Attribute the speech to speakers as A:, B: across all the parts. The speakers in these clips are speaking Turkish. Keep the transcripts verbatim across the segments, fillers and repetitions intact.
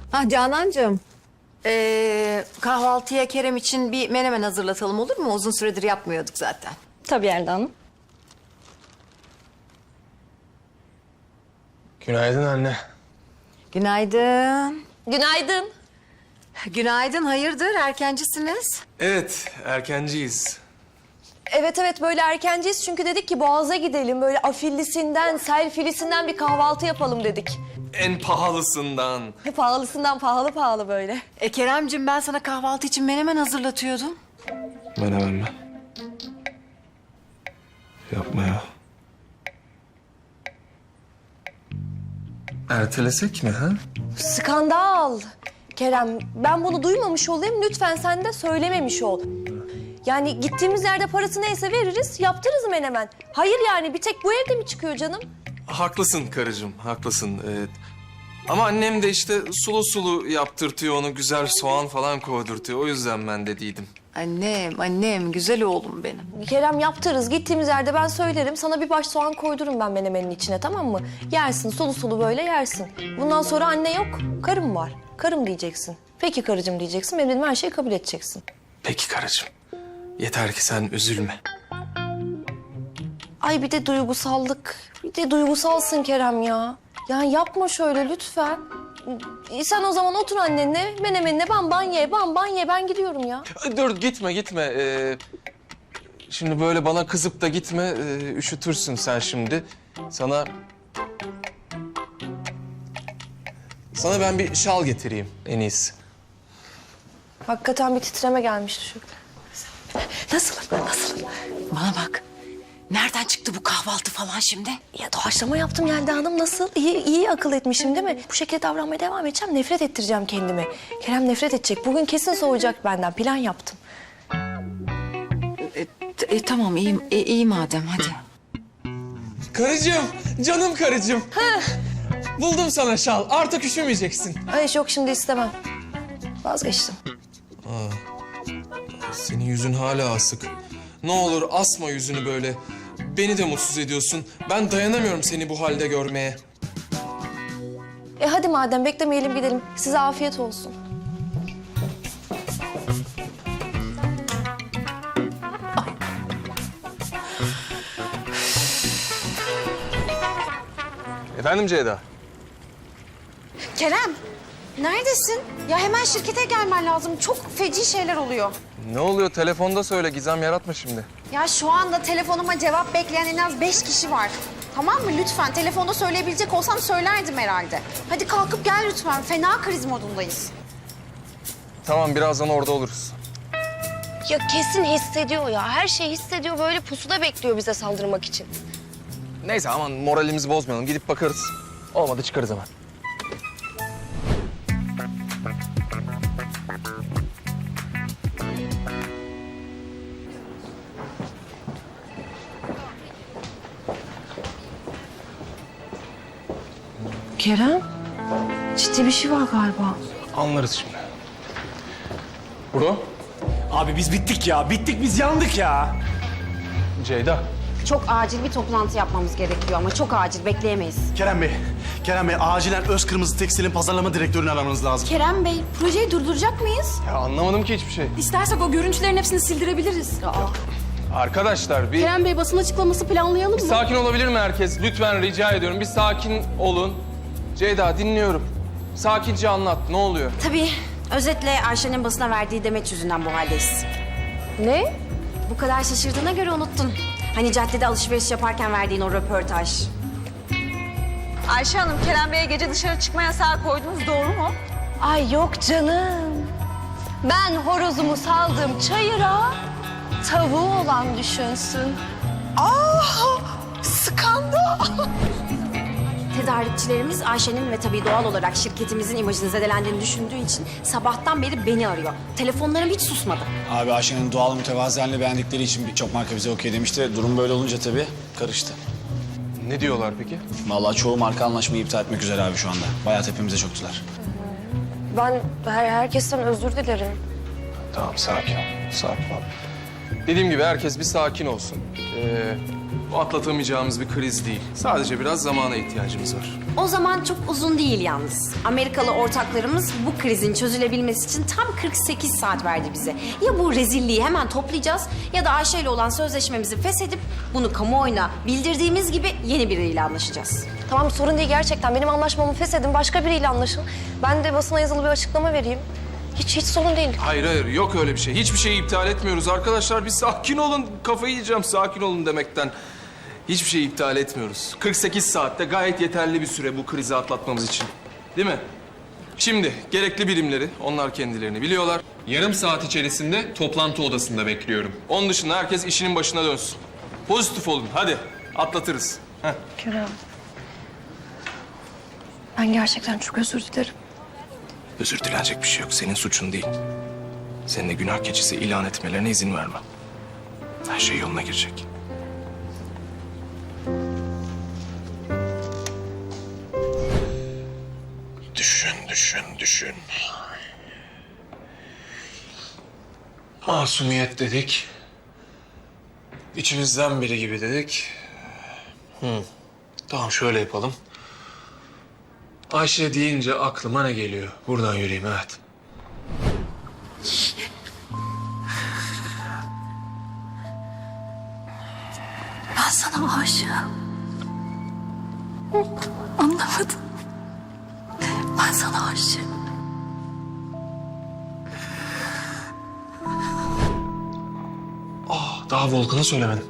A: Ah Canancığım. Ee, kahvaltıya Kerem için bir menemen hazırlatalım olur mu? Uzun süredir yapmıyorduk zaten.
B: Tabii Yelda Hanım.
C: Günaydın anne.
A: Günaydın.
B: Günaydın.
A: Günaydın, hayırdır? Erkencisiniz.
C: Evet, erkenciyiz.
B: Evet evet böyle erkenciyiz çünkü dedik ki Boğaz'a gidelim. Böyle afillisinden, selfilisinden bir kahvaltı yapalım dedik.
C: En pahalısından.
B: Pahalısından pahalı pahalı böyle.
A: E Keremcim, ben sana kahvaltı için menemen hazırlatıyordum.
C: Menemen mi? Yapma ya. Ertelesek mi ha?
B: Skandal. Kerem ben bunu duymamış olayım, lütfen sen de söylememiş ol. Yani gittiğimiz yerde parası neyse veririz, yaptırırız menemen. Hayır yani bir tek bu evde mi çıkıyor canım?
C: Haklısın karıcığım, haklısın. Evet. Ama annem de işte sulu sulu yaptırtıyor onu, güzel soğan falan koydurtuyor. O yüzden ben dediydim.
A: Annem, annem, güzel oğlum benim.
B: Kerem yaptırırız. Gittiğimiz yerde ben söylerim. Sana bir baş soğan koydururum ben menemenin içine, tamam mı? Yersin, sulu sulu böyle yersin. Bundan sonra anne yok, karım var. Karım diyeceksin. Peki karıcığım diyeceksin. Benim dediğim her şeyi kabul edeceksin.
C: Peki karıcığım. Yeter ki sen üzülme.
B: Ay bir de duygusallık. Bir de duygusalsın Kerem ya. Yani yapma şöyle lütfen. E, Sen o zaman otur annenle, menemenine ban ban ye, ban ban ye. Ben gidiyorum ya.
C: Dur gitme gitme. Ee, şimdi böyle bana kızıp da gitme. Ee, üşütürsün sen şimdi. Sana... Sana ben bir şal getireyim en iyisi.
B: Hakikaten bir titreme gelmişti şu. Nasıl? Nasıl?
A: Bana bak. Nereden çıktı bu kahvaltı falan şimdi?
B: Ya doğaçlama yaptım Yelda Hanım. Nasıl? İyi, iyi akıl etmişim değil mi? Bu şekilde davranmaya devam edeceğim. Nefret ettireceğim kendimi. Kerem nefret edecek. Bugün kesin soğuyacak benden. Plan yaptım.
A: E, t- e, tamam, iyi, e, iyi madem, hadi.
C: Karıcığım, canım karıcığım. Buldum sana şal. Artık üşümeyeceksin.
B: Ay yok şimdi istemem. Vazgeçtim.
C: Senin yüzün hala asık. Ne olur asma yüzünü böyle. Beni de mutsuz ediyorsun. Ben dayanamıyorum seni bu halde görmeye.
B: E hadi madem beklemeyelim gidelim. Size afiyet olsun.
C: Efendim Ceyda?
D: Kerem, neredesin? Ya hemen şirkete gelmen lazım. Çok feci şeyler oluyor.
C: Ne oluyor? Telefonda söyle. Gizem yaratma şimdi.
D: Ya şu anda telefonuma cevap bekleyen en az beş kişi var. Tamam mı? Lütfen. Telefonda söyleyebilecek olsam söylerdim herhalde. Hadi kalkıp gel lütfen. Fena kriz modundayız.
C: Tamam, birazdan orada oluruz.
B: Ya kesin hissediyor ya. Her şeyi hissediyor. Böyle pusuda bekliyor bize saldırmak için.
C: Neyse aman moralimizi bozmayalım. Gidip bakarız. Olmadı çıkarız hemen.
B: Kerem, ciddi bir şey var galiba.
C: Anlarız şimdi. Bro,
E: Abi biz bittik ya. Bittik biz yandık ya.
C: Ceyda.
D: Çok acil bir toplantı yapmamız gerekiyor ama çok acil. Bekleyemeyiz.
E: Kerem Bey, Kerem Bey acilen Öz Kırmızı Tekstil'in pazarlama direktörünü aramanız lazım.
D: Kerem Bey, projeyi durduracak mıyız?
C: Ya anlamadım ki hiçbir şey.
F: İstersek o görüntülerin hepsini sildirebiliriz.
C: Arkadaşlar bir
F: Kerem Bey basın açıklaması planlayalım mı?
C: sakin olabilir mi herkes? Lütfen rica ediyorum. Bir sakin olun. Ceyda dinliyorum. Sakince anlat. Ne oluyor?
D: Tabii. Özetle Ayşe'nin basına verdiği demeç yüzünden bu haldeyiz.
B: Ne?
D: Bu kadar şaşırdığına göre unuttun. Hani caddede alışveriş yaparken verdiğin o röportaj.
G: Ayşe Hanım, Kerem Bey'e gece dışarı çıkma yasağı koydunuz, doğru mu?
B: Ay yok canım. Ben horozumu saldım çayıra, tavuğu olan düşünsün. Ah! Skandal!
D: Tedarikçilerimiz Ayşe'nin ve tabii doğal olarak şirketimizin imajını zedelendiğini düşündüğü için sabahtan beri beni arıyor. Telefonlarım hiç susmadı.
H: Abi Ayşe'nin doğal mütevazı halini beğendikleri için birçok marka bize okey demişti. Durum böyle olunca tabii karıştı.
C: Ne diyorlar peki?
H: Vallahi çoğu marka anlaşmayı iptal etmek üzere abi şu anda. Bayağı tepemize çöktüler.
B: Ben her, herkesten özür dilerim.
C: Tamam sakin ol. Sakin ol. Dediğim gibi herkes bir sakin olsun. Ee, Bu atlatamayacağımız bir kriz değil. Sadece biraz zamana ihtiyacımız var.
D: O zaman çok uzun değil yalnız. Amerikalı ortaklarımız bu krizin çözülebilmesi için tam kırk sekiz saat verdi bize. Ya bu rezilliği hemen toplayacağız ya da Ayşe ile olan sözleşmemizi feshedip bunu kamuoyuna bildirdiğimiz gibi yeni biriyle anlaşacağız.
B: Tamam sorun değil gerçekten. Benim anlaşmamı feshedin, başka biriyle anlaşın. Ben de basına yazılı bir açıklama vereyim. Hiç hiç sorun değil.
C: Hayır hayır yok öyle bir şey. Hiçbir şeyi iptal etmiyoruz arkadaşlar. Bir sakin olun. Kafayı yiyeceğim sakin olun demekten. Hiçbir şeyi iptal etmiyoruz. kırk sekiz saatte gayet yeterli bir süre bu krizi atlatmamız için. Değil mi? Şimdi gerekli birimleri, onlar kendilerini biliyorlar. Yarım saat içerisinde toplantı odasında bekliyorum. Onun dışında herkes işinin başına dönsün. Pozitif olun hadi atlatırız. Heh.
B: Kerem. Ben gerçekten çok özür dilerim.
C: Özür dilenecek bir şey yok. Senin suçun değil. Senin de günah keçisi ilan etmelerine izin vermem. Her şey yoluna girecek. Düşün, düşün, düşün. Masumiyet dedik. İçimizden biri gibi dedik. Hı. Tamam şöyle yapalım. Ayşe deyince aklıma ne geliyor? Buradan yürüyeyim, evet.
F: Ben sana aşığım. Anlamadın. Ben sana aşığım.
C: Ah, daha Volkan'a söylemedim.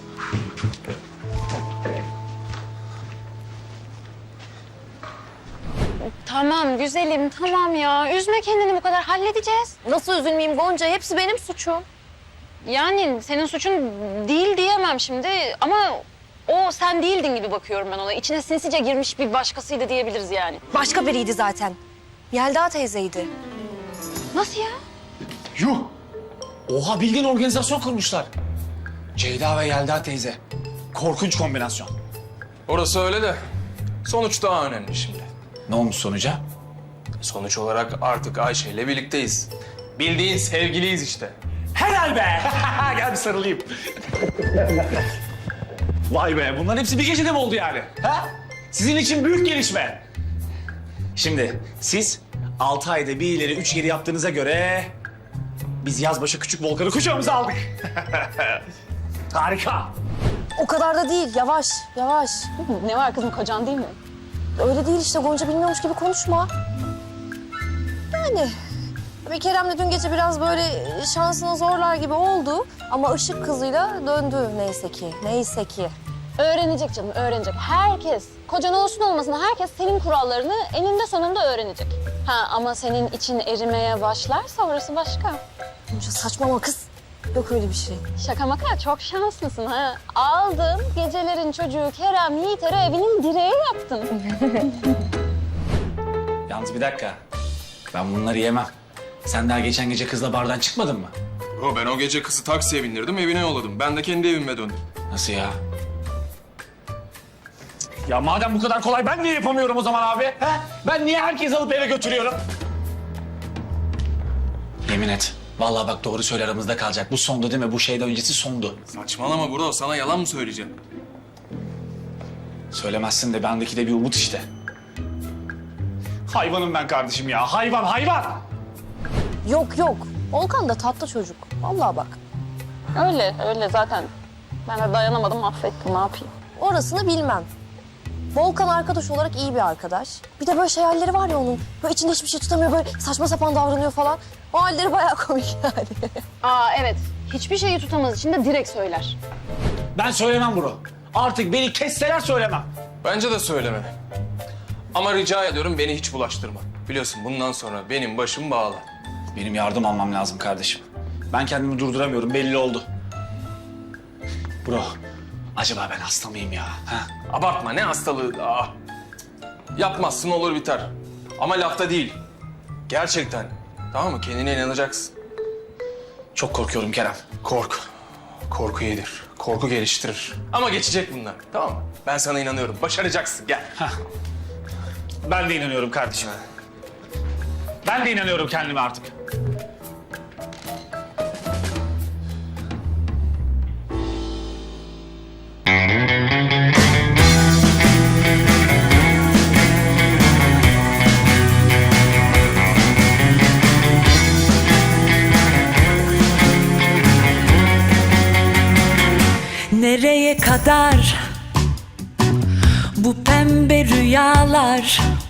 F: Tamam güzelim tamam ya. Üzme kendini bu kadar halledeceğiz.
B: Nasıl üzülmeyeyim Gonca? Hepsi benim suçum.
F: Yani senin suçun değil diyemem şimdi ama o sen değildin gibi bakıyorum ben ona. İçine sinsice girmiş bir başkasıydı diyebiliriz yani.
B: Başka biriydi zaten. Yelda teyzeydi.
F: Nasıl ya?
H: Yuh! Oha bildiğin organizasyon kurmuşlar. Ceyda ve Yelda teyze. Korkunç kombinasyon.
C: Orası öyle de sonuç daha önemli şimdi.
H: Ne olmuş sonuca?
C: Sonuç olarak artık Ayşe ile birlikteyiz. Bildiğin sevgiliyiz işte.
H: Helal be! Gel bir sarılayım. Vay be, bunların hepsi bir gecede mi oldu yani? Ha? Sizin için büyük gelişme. Şimdi siz altı ayda bir ileri üç geri yaptığınıza göre... ...biz yazbaşı küçük Volkan'ı kucağımıza aldık. Harika.
B: O kadar da değil. Yavaş, yavaş.
F: Ne var kızım kocan değil mi?
B: Öyle değil işte Gonca, bilmiyormuş gibi konuşma. Yani bir Kerem'le dün gece biraz böyle şansına zorlar gibi oldu. Ama ışık kızıyla döndü neyse ki, neyse ki.
F: Öğrenecek canım öğrenecek. Herkes kocan olsun olmasın herkes senin kurallarını eninde sonunda öğrenecek. Ha ama senin için erimeye başlarsa orası başka.
B: Gonca saçmalama kız. Yok öyle bir şey.
F: Şaka maka çok şanslısın ha. Aldın gecelerin çocuğu Kerem Yiğiter'e evinin direği yaptın.
H: Yalnız bir dakika. Ben bunları yemem. Sen daha geçen gece kızla bardan çıkmadın mı?
C: Yo, ben o gece kızı taksiye bindirdim, evine yolladım. Ben de kendi evime döndüm.
H: Nasıl ya? Ya madem bu kadar kolay ben niye yapamıyorum o zaman abi? He? Ben niye herkesi alıp eve götürüyorum? Yemin et. Vallahi bak doğru söyle aramızda kalacak. Bu sondu değil mi? Bu şeyden öncesi sondu.
C: Saçmalama bro, sana yalan mı söyleyeceğim?
H: Söylemezsin de bendeki de bir umut işte. Hayvanım ben kardeşim ya. Hayvan, hayvan!
B: Yok yok. Volkan da tatlı çocuk. Vallahi bak.
F: Öyle öyle zaten. Ben de dayanamadım affettim ne yapayım.
B: Orasını bilmem. Volkan arkadaş olarak iyi bir arkadaş. Bir de böyle şey halleri var ya onun. Böyle içinde hiçbir şey tutamıyor, böyle saçma sapan davranıyor falan. O halleri bayağı komik yani.
F: Aa evet hiçbir şeyi tutamaz için de direkt söyler.
H: Ben söylemem bro. Artık beni kesseler söylemem.
C: Bence de söyleme. Ama rica ediyorum beni hiç bulaştırma. Biliyorsun bundan sonra benim başım bağlı.
H: Benim yardım almam lazım kardeşim. Ben kendimi durduramıyorum, belli oldu. Bro, acaba ben hasta mıyım ya? Ha?
C: Abartma, ne hastalığı. Aa. Yapmazsın olur biter. Ama lafta değil. Gerçekten. Tamam mı? Kendine inanacaksın.
H: Çok korkuyorum Kerem.
C: Kork. Korku iyidir. Korku geliştirir. Ama geçecek bunlar. Tamam mı? Ben sana inanıyorum. Başaracaksın. Gel.
H: Ben de inanıyorum kardeşim. Ben de inanıyorum kendime artık.
I: Nereye kadar bu pembe rüyalar?